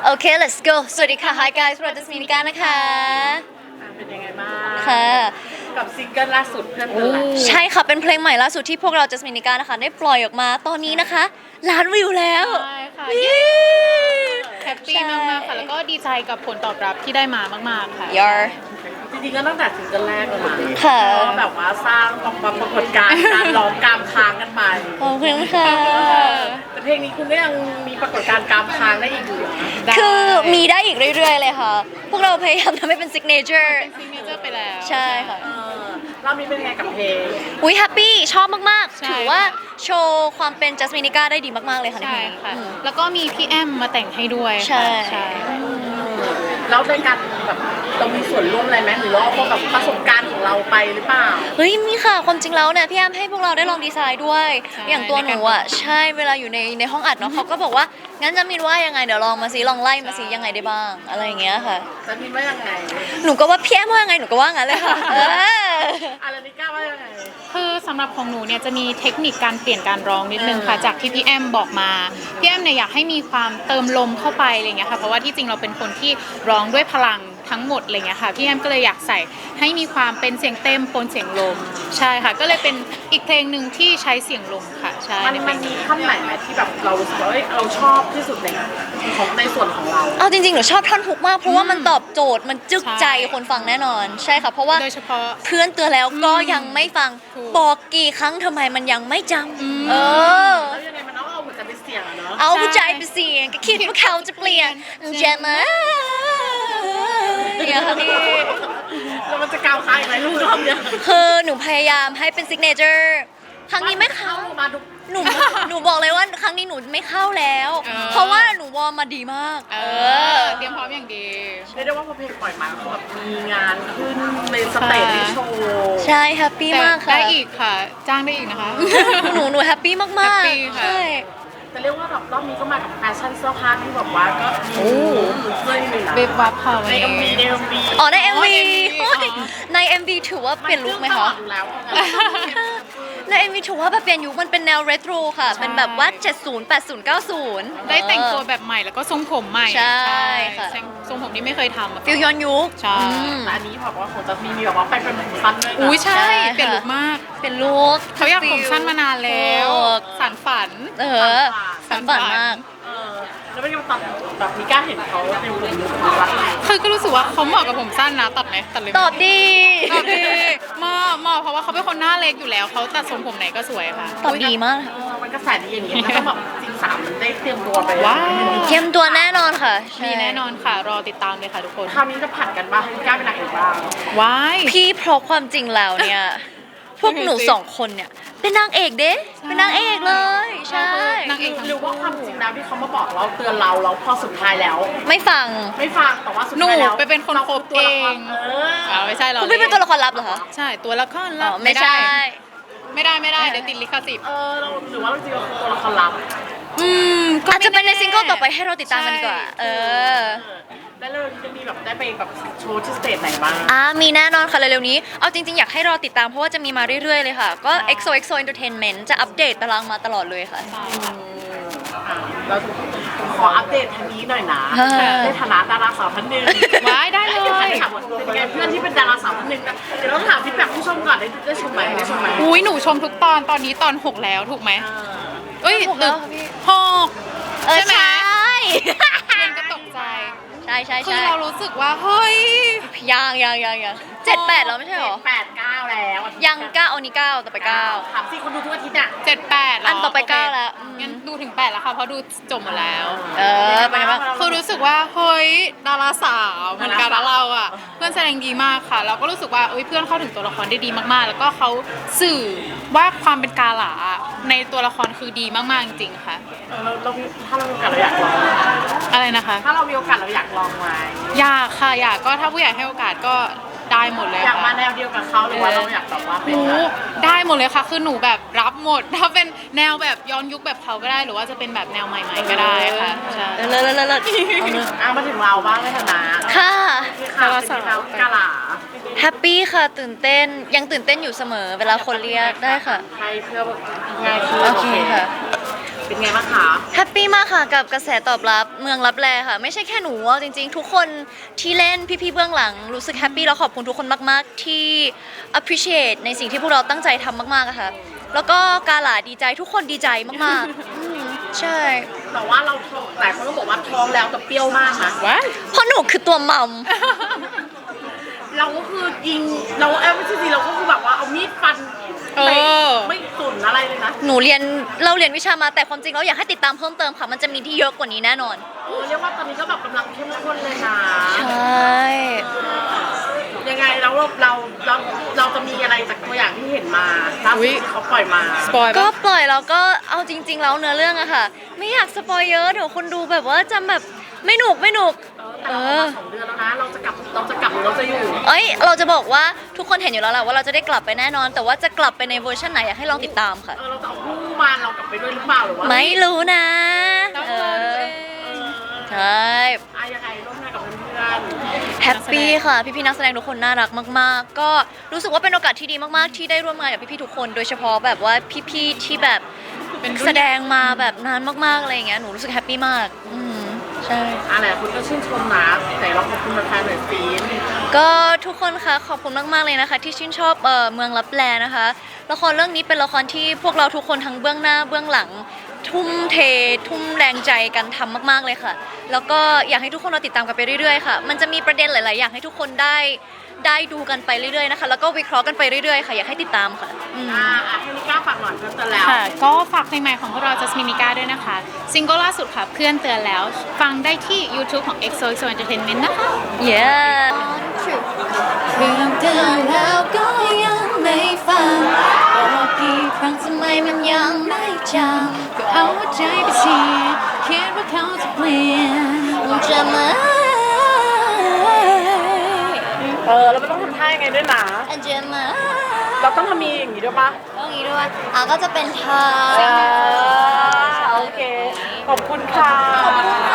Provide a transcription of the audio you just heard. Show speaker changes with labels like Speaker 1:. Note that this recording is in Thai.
Speaker 1: โอเค let's go สวัสดีค่ะ Hi guys เราจะสมินิกานะคะ
Speaker 2: เป็นยังไงบ้าง
Speaker 1: ค่ะ
Speaker 2: กับซิงเกิลล่าสุดเพื่อนเป็นไร
Speaker 1: ใช่ค่ะเป็นเพลงใหม่ล่าสุดที่พวกเราจะสมินิกานะคะได้ปล่อยออกมาตอนนี้นะคะล้านวิวแล้ว
Speaker 3: ใช่ค่ะแฮปปี้มากๆค่ะแล้วก็ดีใจกับผลตอบรับที่ได้มามากๆค่ะ
Speaker 1: Yar
Speaker 2: จริงๆก็ตั้งแต่ซิงเกิลแรกเลยนะ
Speaker 1: ค่ะ
Speaker 2: ก็แบบว่าสร้างปรากฏการณ์การร้องกามค้างกันไป
Speaker 1: ขอบคุณค่ะ
Speaker 2: แต่เพลงนี้คุณก็ยังมีปรากฏการณ์กามค้างได้อีกอยู่นะ
Speaker 1: คือมีได้อีกเรื่อยๆเลยค่ะ พวกเราพยายามทำให้เป็น signature
Speaker 3: ซิงเกิลไปแล้ว
Speaker 1: ใช่ค่ะ
Speaker 2: รอบนี้เป็นไงกับเพลง
Speaker 1: อุ้ยแฮปปี้ชอบมาก
Speaker 3: ใช่
Speaker 1: ๆ ถือว่าโชว์ความเป็นจัสมินิก้าได้ดีมาก ๆ เลยค่ะใน
Speaker 3: ใช่
Speaker 1: เพลงนี้
Speaker 3: ค่ะ
Speaker 1: อืม
Speaker 3: แล้วก็มีพี่แอมมาแต่งให้ด้วย
Speaker 1: ใช่
Speaker 3: ค่ะใช่
Speaker 2: แล้วในการแบบเรามีส่วนร่วมอะไรไหมหรือว่าพวกแบบประสบการณ์ของเราไปหรือเปล่า
Speaker 1: เฮ้ยมีค่ะความจริงแล้วเนี่ยพี่แอมให้พวกเราได้ลองดีไซน์ด้วย อย่างตัวหนูอ่ะใช่เวลาอยู่ในห้องอัดเนาะเขาก็บอกว่างั้นจะมินว่ายังไงเดี๋ยวลองมาซิลองไล่มาซิยังไงได้บ้างอะไรอย่างเงี้ยค่ะ
Speaker 2: จะมีว่ายังไง
Speaker 1: หนูก็ว่าพี่แอมว่ายังไงหนูก็ว่างั้นเลยค่ะ
Speaker 2: อะไรนี่กล้าว่ายังไง
Speaker 3: คือสำหรับของหนูเนี่ยจะมีเทคนิคการเปลี่ยนการร้องนิดนึงค่ะจากที่พี่แอมบอกมาพี่แอมเนี่ยอยากให้มีความเติมลมเข้าไปอะไรเงี้ยค่ะเพราะว่าที่จริงเราเป็นคนที่ร้องด้วยพลังทั้งหมดอะไรเงี้ยค่ะพี่แอมก็เลยอยากใส่ให้มีความเป็นเสียงเต็มปนเสียงลมใช่ค่ะก็เลยเป็นอีกเพลงหนึ่งที่ใช้เสียงลมค่ะใช่
Speaker 2: มันมีท่อนไหนไหมที่แบบเรารู้สึกว่าเราชอบที่สุดในส่วนของเรา
Speaker 1: เอาจริงๆหนูชอบท่อนฮุกมากเพราะว่ามันตอบโจทย์มันจึกใจคนฟังแน่นอนใช่ค่ะเพราะว่า
Speaker 3: โดยเฉพาะ
Speaker 1: เพื่อนเตือนแล้วก็ยังไม่ฟัง
Speaker 3: ถูก
Speaker 1: บอกกี่ครั้งทำไมมันยังไม่จำเออ
Speaker 2: แล้วยังไงมันต้องเอาหัวใจไปเสี่ยงอะเนาะ
Speaker 1: เอาผู้ใจไปเสียงก็คิดว่าเขาจะเปลี่ยนใช่ไหมอย่างนี้
Speaker 2: แล้วมันจะก้าวข้ามไหมลูกรอบเนี้ย
Speaker 1: คือหนูพยายามให้เป็นซิกเนเจอร์ครั้งนี้ไม่เข้า
Speaker 2: มาทุก
Speaker 1: หนูบอกเลยว่าครั้งนี้หนูไม่เข้าแล้ว เพราะว่าหนูวอร์มมาดีมาก
Speaker 3: เตรียมพร้อมอย่างดี
Speaker 2: เรียกได้ว่าพอเพลงปล่อยมาคือแบบมีงานขึ้นในสเตจในโชว์
Speaker 1: ใช่แฮปปี้
Speaker 3: แต่
Speaker 1: มากค่ะ
Speaker 3: ได้อีกค่ะ จ้างได้อีกนะคะ
Speaker 1: หนูแฮปปี้มาก
Speaker 3: แฮปปี้
Speaker 1: ๆ
Speaker 3: ค่ะ
Speaker 1: ใช่
Speaker 2: แต่เรียกว่าแบบรอบนี้ก็มากับแฟชั่นเสื้อผ้าที่แบบว่าก็มีเสื้อหนึ่งนะ
Speaker 3: เบบวับค่ะวัน
Speaker 2: ใน
Speaker 3: นี้
Speaker 2: MV
Speaker 1: อ๋อใน MV
Speaker 3: อ๋อ
Speaker 1: ใน MV ถือว่าเปลี่ยนลุคไหมคะ
Speaker 2: อยู่แล้ว
Speaker 1: ใน MV ถือว่าแบบเปลี่ยนยุคมันเป็นแนวเรโทรค่ะ เป็นแบบว่า 70 80 90
Speaker 3: ได้แต่งตัวแบบใหม่แล้วก็ทรงผมใหม่
Speaker 1: ใช่ค่ะ
Speaker 3: ทรงผมที่ไม่เคยทำอะ
Speaker 1: ฟิลย้อนยุค
Speaker 3: ใช่
Speaker 1: อืม
Speaker 2: แต่อันนี้แบบว่าของจะมีแบบว่าไปเป็นผมสั้นด้วยนะ
Speaker 3: อุ้ยใช่
Speaker 1: ใช่ค่ะ
Speaker 3: เปลี่ยนลุคมาก
Speaker 1: เป็นลุค
Speaker 3: เขาอยากผมสั้นมานานแล้ว
Speaker 1: ถูก
Speaker 3: สานฝัน
Speaker 1: เออสันฝันมาก
Speaker 2: แล้วไม่ได้มาตัดแบบมีกล้าเห็นเขาในผมยุคนี้ว่า
Speaker 3: คือก็รู้สึกว่าเขาเหมาะกับผมสั้นนะตัดไหมตัดเลยไหม
Speaker 1: ตอบดี
Speaker 3: ตอบดีเหมาะเพราะว่าเขาเป็นคนหน้าเล็กอยู่แล้วเขาตัดทรงผมไหนก็สวยค่ะ
Speaker 1: ตอบดีมาก
Speaker 2: มันกระแสดีอย่างนี้มันก็แบบจริงสามมันได้เตรียมตัวไป
Speaker 3: ว้าว
Speaker 1: เข้มตัวแน่นอนค่ะใช่
Speaker 3: มีแน่นอนค่ะ รอติดตามเลยค่ะทุกคน
Speaker 2: คราวนี้จะผัดกันบ้างให้กล้าเป็นนางเอกบ้าง
Speaker 3: ว้าย
Speaker 1: พี่เพราะความจริงแล้วเนี่ย พวกหนูสองคนเนี่ย เป็นนางเอกเด้เป็นนางเอกเลย ใช่
Speaker 3: นางเอกทั้ง
Speaker 2: หรือว่าความจริงแล้วที่เขามาบอกเราเตือนเราแล้วพอสุดท้ายแล้ว
Speaker 1: ไม่ฟัง
Speaker 2: ไม่ฟังแต่ว่าสุด
Speaker 3: หนู
Speaker 2: ท้ายแล้ว
Speaker 3: ไปเป็นคนโคบเอง ไม่ใช่เรา
Speaker 1: คุณพี่เป็นตัวละครลับเหรอคะ
Speaker 3: ใช่ตัวละคร
Speaker 1: อ๋
Speaker 3: ลั
Speaker 1: อบ ไม่ใช่
Speaker 3: ไม่ได้เดี๋ยวติดลิขสิทธิ์
Speaker 2: เราหรือว่าเราจริงๆเราคือตัวละครลับ
Speaker 3: ก็
Speaker 1: อาจจะเป็นใน
Speaker 3: ไม่แ
Speaker 1: ซิงเกิลต่อไปให้เราติดตามกันดีกว่า
Speaker 3: ใช่
Speaker 2: แล้วเราจะมีแบบได้ไปแบบโชว์ที่สเตจไหนบ้าง
Speaker 1: มีแน่นอนค่ะเร็วๆนี้ เอาจริงๆ อยากให้รอติดตามเพราะว่าจะมีมาเรื่อยๆ เลยค่ะ ก็ XOXO Entertainment จะอัปเดตตารางมาตลอดเลยค่ะ
Speaker 2: เราขออัปเดตทางนี้หน่อยนะ
Speaker 1: ค่ะ
Speaker 2: ในฐานะดาราสาวท่านหนึ่ง
Speaker 3: ว้ายได้เลย
Speaker 2: ถามว่าเป็นไงเพื่อนที่เป็นดาราสาวท่านหนึ่งนะเดี๋ยวเราถามฟีดแบ็กผู้ชมก่อนได้ชมไหมได้ชมไหม
Speaker 3: อุ้ยหนูชมทุกตอนนี้ตอน 6 แล้วถูกไหมเอ้ย
Speaker 1: หกแล้วค่ะพี่
Speaker 3: หก
Speaker 1: ใช่
Speaker 3: ใช่ไหม
Speaker 1: ใช่
Speaker 3: เรียนก็ตกใจ
Speaker 1: ใช่ใช่
Speaker 3: คือ
Speaker 1: ใช่
Speaker 3: เรารู้สึกว่าเฮ้ย
Speaker 1: ยัง7-8แล้วไม่ใช่หรอ
Speaker 2: 8-9แล้ว
Speaker 1: ยัง9อันนี้9ต่อไป9
Speaker 2: ถามสิคนดูทุกอาทิตย์อ่ะ
Speaker 3: 7-8แล้ว
Speaker 1: อันต่อไป
Speaker 3: โเค
Speaker 1: 9แล้ว
Speaker 3: งั้นดูถึง 8 แล้วค่ะ เพราะดูจบหมดแล้ว
Speaker 1: เป็นไงบ้าง
Speaker 3: คือรู้สึกว่าเฮ้ยดาราสาวเหมือนกันแล้วเราอ่ะ เพื่อนแสดงดีมากค่ะ เราก็รู้สึกว่าเอ้ยเพื่อนเข้าถึงตัวละครได้ดีมากๆ แล้วก็เขาสื่อว่าความเป็นกาหลาในตัวละครคือดีมากๆจริงๆค่ะ
Speaker 2: เราถ้าเรามีโอกาสเราอยากลอง
Speaker 3: อะไรนะคะ
Speaker 2: ถ้าเรามีโอกาสเราอยากลองไหม
Speaker 3: อยากค่ะอยากก็ถ้าผู้ใหญ่ให้โอกาสก็ได้หมดเลย
Speaker 2: อยากมา
Speaker 3: ค่ะ
Speaker 2: แนวเดียวกับเขาหรือว่าเราอยากแบบว่าเป็น
Speaker 3: หนูได้หมดเลยค่ะ คือหนูแบบรับหมด ถ้าเป็นแนวแบบย้อนยุคแบบเขาก็ได้ หรือว่าจะเป็นแบบแนวใหม่ๆก็ได้ค่ะใช่
Speaker 1: เลิศ
Speaker 2: มาถึงเราบ้างในฐานะ
Speaker 1: ค่ะ
Speaker 2: ที่ข่าวเป็นเรากาหลา
Speaker 1: แฮปปี้ค่ะตื่นเต้นยังตื่นเต้นอยู่เสมอเวลาคนเรียกได้ค่ะ
Speaker 2: ให้เพื่อง่ายขึ้น
Speaker 1: โอเคค่ะ
Speaker 2: เป็นไงบ้างคะ
Speaker 1: แฮปปี้มากค่ะกับกระแสตอบรับเมืองรับแลค่ะ ไม่ใช่แค่หนูเอาจริงๆ ทุกคนที่เล่นพี่ๆเบื้องหลังรู้สึกแฮปปี้แล้วขอบคุณทุกคนมากๆที่ appreciate ในสิ่งที่พวกเราตั้งใจทำมากๆอะค่ะ แล้วก็กาหลาดีใจทุกคนดีใจมากๆใช่
Speaker 2: แต่ว่าเราท้องหลายคนก็บอกว่าท้องแล้วแต่เปรี้ยวมากนะ
Speaker 3: ว้า
Speaker 1: เพราะหนูคือตัวมัม
Speaker 2: เราก็คือยิงเราไม่ใช่สิเราก็คือแบบว่าเอามีดฟันไปไม่สนอะไรเลยนะ
Speaker 1: เราเรียนวิชามาแต่ความจริงแล้วอยากให้ติดตามเพิ่มเติมค่ะ มันจะมีที่เยอะกว่านี้แน่นอน
Speaker 2: เรียกว่าตอนนี้ก็แบบกำลังเข้มข้นเลยนะ
Speaker 1: ใช่
Speaker 2: ยังไงเราจะมีอะไรจากตัวอย่างที่เห็นมาล่าสุดที่เขาปล่อยมา
Speaker 3: สปอย
Speaker 1: ก็
Speaker 3: ปะ
Speaker 1: ปล่อยแล้วก็เอาจริง ๆ แล้วเนื้อเรื่องอะค่ะ ไม่อยากสปอยเยอะเดี๋ยวคนดูแบบว่าจำแบบไม่หนุก
Speaker 2: แต่เราออกมา2 เดือนแล้วนะเราจะกลับหรือเราจะอยู่
Speaker 1: เอ้ยเราจะบอกว่าทุกคนเห็นอยู่แล้วแหละว่าเราจะได้กลับไปแน่นอน แต่ว่าจะกลับไปในเวอร์ชันไหนอยากให้ลองติดตามค่ะ
Speaker 2: เราจะเอาคู่มาเรากลับไปด้วยหรือเปล่าหรือว่า
Speaker 1: ไม่รู้นะ
Speaker 3: ต้องรอดูเอง
Speaker 1: ใช่
Speaker 2: ยังไงร่วมงานกับเพื่อน
Speaker 1: แฮปปี้ค่ะ พี่ๆนักแสดงทุกคนน่ารักมากๆ ก็รู้สึกว่าเป็นโอกาสที่ดีมากๆ ที่ได้ร่วมงานกับพี่ๆทุกคน โดยเฉพาะแบบว่าพี่ๆที่แบบ
Speaker 3: เป็นรุ่น
Speaker 1: แสดงมาแบบนานมากๆอะไรอย่างเงี้ยหนูรู้สึกแฮปปี้มากใช่
Speaker 2: อะไรคุณก็ชื่นชมนะแต่เราขอบคุณแฟนๆหน่อยสิ
Speaker 1: ก็ทุกคนคะขอบคุณมากๆเลยนะคะ ที่ชื่นชอบเมืองลับแลนะคะละครเรื่องนี้เป็นละครที่พวกเราทุกคนทั้งเบื้องหน้าเบื้องหลัง ทุ่มเททุ่มแรงใจกันทำมากๆเลยค่ะ แล้วก็อยากให้ทุกคนเราติดตามกันไปเรื่อยๆค่ะมันจะมีประเด็นหลายๆอย่างให้ทุกคนได้ดูกันไปเรื่อยๆนะคะแล้วก็วิเคราะห์กันไปเรื่อยๆค่ะอยากให้ติดตามค่ะ
Speaker 2: ให้นิก้าฝากหน่อยเพื่อนเตือนแล้ว
Speaker 3: ค่ะ ก็ฝากเพลงใหม่ของพวกเรา Jasmine Nika ด้วยนะคะ ซิงเกิลล่าสุดค่ะ เพื่อนเตือนแล้ว ฟังได้ที่ YouTube ของ EXO Entertainment นะคะ
Speaker 1: yeah เรื่องเตือนแล้วก็ยังไม่ฟังบอกกี่ครั้งทำไมมันยังไม่จำก็เอาหัวใจไปเสียคิดว่าเขาจะเปลี่ยนจะไหม
Speaker 2: เราไม่ต้องทำท่ายังไงด้วยนะ
Speaker 1: จะไหม
Speaker 2: เราต้องทำมีอย่างนี้ด้วยปะ
Speaker 1: ต้องอย่างนี้ด้วยก็จะเป็นทา
Speaker 2: โอเค ขอบคุณค่ะ